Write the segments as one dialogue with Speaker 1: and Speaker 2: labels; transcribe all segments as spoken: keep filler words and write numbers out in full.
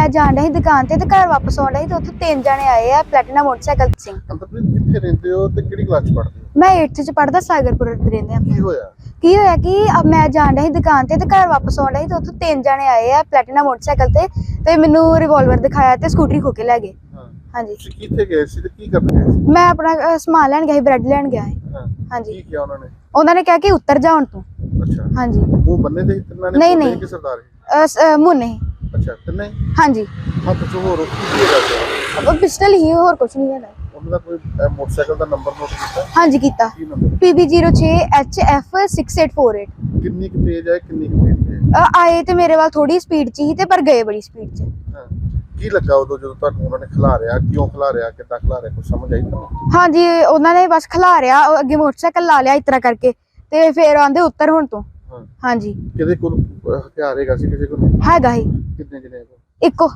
Speaker 1: मैं जान रही दुकान ते घर वापस आउण रही तो उत्थे तीन जने आए आ प्लैटिना मोटरसाइकिल सिंह।
Speaker 2: अंतरप्रीत किथे रहंदे हो ते किहड़ी क्लास च पढ़दे हो?
Speaker 1: मैं एट्थ च पढ़दा सागरपुर रहंदे आ।
Speaker 2: की होया?
Speaker 1: की होया कि अब मैं जान रही दुकान ते घर वापस आउण रही तो उत्थे तीन जने आए आ प्लैटिना मोटरसाइकिल ते ते मैनू रिवॉल्वर दिखाया ते स्कूटरी खो के ले गए।
Speaker 2: हां
Speaker 1: हाँ जी।
Speaker 2: तुसीं किथे गए सी ते की करन गए सी?
Speaker 1: मैं अपना अ, समान लैन गया, ब्रेड लैन गया है।
Speaker 2: हां
Speaker 1: हाँ जी।
Speaker 2: की किया उन्होंने?
Speaker 1: उन्होंने कहा कि उतर जा हुण तू।
Speaker 2: अच्छा
Speaker 1: हाँ जी।
Speaker 2: मुंह बन्ने थे तिन्ना ने?
Speaker 1: नहीं नहीं
Speaker 2: कि सरदार
Speaker 1: अ, स- अ, मुंह नहीं।
Speaker 2: अच्छा तिन्ने?
Speaker 1: हाँ जी।
Speaker 2: हां तो होर की की होया?
Speaker 1: अब पिस्टल ही और कुछ नहीं है।
Speaker 2: ਉਹਨਾਂ ਦਾ ਕੋਈ ਮੋਟਰਸਾਈਕਲ ਦਾ ਨੰਬਰ ਨੋਟ ਕੀਤਾ?
Speaker 1: हाँ जी कीता।
Speaker 2: ਕੀ ਨੰਬਰ?
Speaker 1: पी बी जीरो छे H F six eight four eight.
Speaker 2: ਕਿੰਨੀ ਕੁ ਤੇਜ਼ ਹੈ ਕਿੰਨੀ ਕੁ ਤੇਜ਼ ਹੈ?
Speaker 1: आए ते मेरे वाल थोड़ी स्पीड च ही ते पर गए बड़ी स्पीड च।
Speaker 2: ਹਾਂ ਕੀ ਲੱਗਾ ਉਦੋਂ ਜਦੋਂ ਤੁਹਾਨੂੰ ਉਹਨਾਂ ਨੇ ਖਿਲਾਰਿਆ? ਕਿਉਂ ਖਿਲਾਰਿਆ? ਕਿੱਦਾਂ ਖਿਲਾਰਿਆ? ਕੁਝ ਸਮਝ ਆਈ ਤੁਹਾਨੂੰ?
Speaker 1: हाँ जी उन्होंने बस खिलारिया अगे मोटरसाइकिल ला लिया इस तरह करके ते फिर आंदे उतर हुण तू।
Speaker 2: ਹਾਂ
Speaker 1: हाँ जी
Speaker 2: ਕਿਹਦੇ ਕੋਲ ਹਥਿਆਰ ਹੈਗਾ ਸੀ? ਕਿਸੇ ਕੋਲ?
Speaker 1: हैगा ही
Speaker 2: ਕਿੰਨੇ ਜਣੇ ਕੋਲ?
Speaker 1: इको।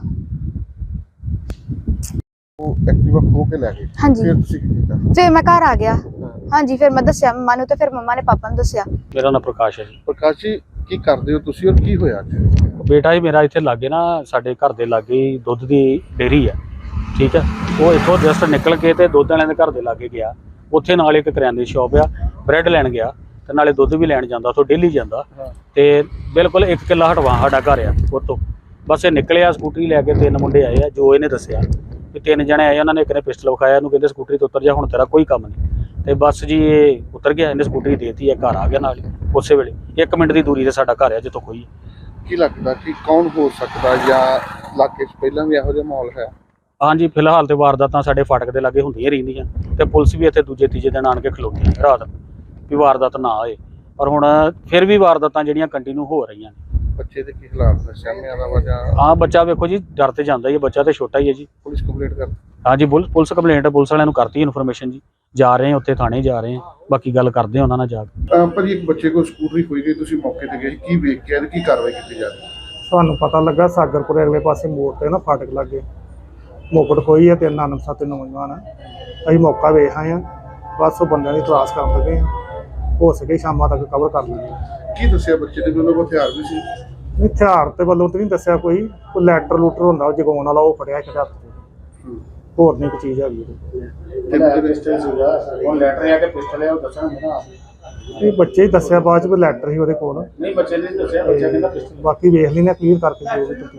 Speaker 2: ਉਹ ਐਕਟਿਵਾ ਖੋ ਕੇ ਲੈ ਗਏ?
Speaker 1: हाँ जी
Speaker 2: ਫਿਰ ਤੁਸੀਂ ਕੀ ਕੀਤਾ?
Speaker 1: फिर मैं घर आ गया।
Speaker 2: ਹਾਂ
Speaker 1: हाँ जी फिर मैं दस्या मम्मा नू ते फिर मम्मा ने पापा नू दस्या।
Speaker 3: ਮੇਰਾ ਨਾਮ ਪ੍ਰਕਾਸ਼ ਹੈ ਜੀ।
Speaker 2: ਪ੍ਰਕਾਸ਼ ਜੀ ਕੀ ਕਰਦੇ ਹੋ ਤੁਸੀਂ ਔਰ ਕੀ ਹੋਇਆ ਅੱਜ?
Speaker 3: ਬੇਟਾ ਹੀ ਮੇਰਾ ਇੱਥੇ ਲਾਗੇ ਨਾ ਸਾਡੇ ਘਰ ਦੇ ਲਾਗੇ ਹੀ ਦੁੱਧ ਦੀ ਡੇਅਰੀ ਹੈ, ਠੀਕ ਹੈ। ਉਹ ਇੱਥੋਂ ਜਸਟ ਨਿਕਲ ਕੇ ਤੇ ਦੁੱਧ ਵਾਲਿਆਂ ਦੇ ਘਰ ਦੇ ਲਾਗੇ ਗਿਆ। ਉੱਥੇ ਨਾਲ ਇੱਕ ਕਰਿਆਨੇ ਦੀ ਸ਼ਾਪ ਆ, ਬ੍ਰੈਡ ਲੈਣ ਗਿਆ ਤੇ ਨਾਲੇ ਦੁੱਧ ਵੀ ਲੈਣ ਜਾਂਦਾ, ਉੱਥੋਂ ਡੇਲੀ ਜਾਂਦਾ। ਤੇ ਬਿਲਕੁਲ ਇੱਕ ਕਿੱਲਾ ਹਟਵਾ ਸਾਡਾ ਘਰ ਆ ਉੱਥੋਂ। ਬਸ ਇਹ ਨਿਕਲਿਆ ਸਕੂਟਰੀ ਲੈ ਕੇ, ਤਿੰਨ ਮੁੰਡੇ ਆਏ ਆ ਜੋ ਇਹਨੇ ਦੱਸਿਆ ਕਿ ਤਿੰਨ ਜਣੇ ਆਏ। ਉਹਨਾਂ ਨੇ ਇੱਕ ਨੇ ਪਿਸਟਲ ਵਿਖਾਇਆ, ਇਹਨੂੰ ਕਹਿੰਦੇ ਸਕੂਟਰੀ ਤੋਂ ਉਤਰ ਜਾ, ਹੁਣ ਤੇਰਾ ਕੋਈ ਕੰਮ ਨਹੀਂ। ਤੇ ਬਸ ਜੀ ਇਹ ਉਤਰ ਗਿਆ, ਇਹਨੇ ਸਕੂਟਰੀ ਦੇਤੀ ਹੈ, ਘਰ ਆ ਗਿਆ ਨਾਲ ਹੀ ਉਸੇ ਵੇਲੇ। ਇੱਕ ਮਿੰਟ ਦੀ ਦੂਰੀ ਤੇ ਸਾਡਾ ਘਰ ਆ ਜਿੱਥੋਂ ਕੋਈ।
Speaker 2: ਕੀ ਲੱਗਦਾ ਕਿ ਕੌਣ ਹੋ ਸਕਦਾ ਜਾਂ ਇਲਾਕੇ 'ਚ ਪਹਿਲਾਂ ਵੀ ਇਹੋ ਜਿਹਾ ਮਾਹੌਲ ਹੈ?
Speaker 3: ਹਾਂਜੀ ਫਿਲਹਾਲ ਤੇ ਵਾਰਦਾਤਾਂ ਸਾਡੇ ਫਾਟਕ ਦੇ ਲਾਗੇ ਹੁੰਦੀਆਂ ਰਹਿੰਦੀਆਂ ਤੇ ਪੁਲਿਸ ਵੀ ਇੱਥੇ ਦੂਜੇ ਤੀਜੇ ਦਿਨ ਆਣ ਕੇ ਖਲੋਤੀ ਹੈ ਰਾਤ ਵੀ ਵਾਰਦਾਤ ਨਾ ਹੋਏ। ਪਰ ਹੁਣ ਫਿਰ ਵੀ ਵਾਰਦਾਤਾਂ ਜਿਹੜੀਆਂ ਕੰਟੀਨਿਊ ਹੋ ਰਹੀਆਂ ਨੇ।
Speaker 2: ਬੱਚੇ ਦੇ ਕੀ ਹਾਲਾਤ ਨੇ? ਸਾਹਮਣੇ ਆਦਾ ਵਾ ਜਾਂ
Speaker 3: ਹਾਂ ਬੱਚਾ ਵੇਖੋ ਜੀ ਡਰ ਤੇ ਜਾਂਦਾ ਹੀ ਹੈ, ਬੱਚਾ ਤੇ ਛੋਟਾ ਹੀ ਹੈ ਜੀ।
Speaker 2: ਪੁਲਿਸ ਕੰਪਲੇਂਟ ਕਰ?
Speaker 3: ਹਾਂਜੀ ਪੁਲਿਸ ਪੁਲਿਸ ਕੰਪਲੇਂਟ ਪੁਲਿਸ ਵਾਲਿਆਂ ਨੂੰ ਕਰਤੀ ਇਨਫੋਰਮੇਸ਼ਨ ਜੀ। ਜਾ ਰਹੇ ਹਾਂ ਉੱਥੇ ਥਾਣੇ ਜਾ ਰਹੇ ਹਾਂ, ਬਾਕੀ ਗੱਲ ਕਰਦੇ ਹਾਂ ਉਹਨਾਂ ਨਾਲ ਜਾ ਕੇ।
Speaker 2: ਪਰ ਇੱਕ ਬੱਚੇ ਕੋਲ ਸਕੂਟਰੀ ਖੋਈ ਗਈ, ਤੁਸੀਂ ਮੌਕੇ ਤੇ ਗਏ, ਕੀ ਵੇਖ ਕੇ ਆਏ ਤੇ ਕੀ ਕਾਰਵਾਈ ਕੀਤੀ ਜਾ ਰਹੀ ਹੈ?
Speaker 4: ਸਾਨੂੰ ਪਤਾ ਲੱਗਾ ਸਾਗਰਪੁਰ ਅਗਲੇ ਪਾਸੇ ਮੋੜ ਤੇ ਨਾ ਫਾਟਕ ਲੱਗੇ ਮੋਕੜ ਖੋਈ ਹੈ ਤੇ ਨਾਨਕ ਸਾਤੇ ਨੌਜਵਾਨ ਆ। ਅਸੀਂ ਮੌਕਾ ਵੇਖ ਆਏ ਹਾਂ, ਬਸ ਉਹ ਬੰਦਿਆਂ ਦੀ ਤਲਾਸ਼ ਕਰਨ ਲੱਗੇ ਹਾਂ। ਹੋ ਸਕੇ ਸ਼ਾਮਾਂ ਤੱਕ ਕਵਰ ਕਰ ਲਾਂਗੇ।
Speaker 2: ਕੀ ਦੱਸਿਆ ਬੱਚੇ ਦੇ ਕੋਲ ਹਥਿਆਰ ਵੀ ਸੀ?
Speaker 4: ਹਥਿਆਰ ਤੇ ਵੱਲੋਂ ਤੇ ਨਹੀਂ ਦੱਸਿਆ ਕੋਈ, ਕੋਈ ਲੈਟਰ ਲੂਟਰ ਹੁੰਦਾ ਉਹ ਜਗਾਉਣ ਵਾਲਾ, ਉਹ ਫੜਿਆ ਇੱਕ ਹੱਥ 'ਚ। ਹੋਰ ਨਹੀਂ ਕੋਈ ਚੀਜ਼ ਹੈਗੀ। ਇਹ ਬੱਚੇ ਹੀ ਦੱਸਿਆ ਬਾਅਦ 'ਚ ਵੀ ਲੈਟਰ ਸੀ ਉਹਦੇ ਕੋਲ।
Speaker 3: ਨਹੀਂ ਬੱਚੇ ਨੇ ਦੱਸਿਆ, ਬੱਚਾ ਕਹਿੰਦਾ
Speaker 4: ਬਾਕੀ ਵੇਖ ਲੈਣਾ ਕਲੀਅਰ ਕਰਕੇ ਜੋ ਵੀ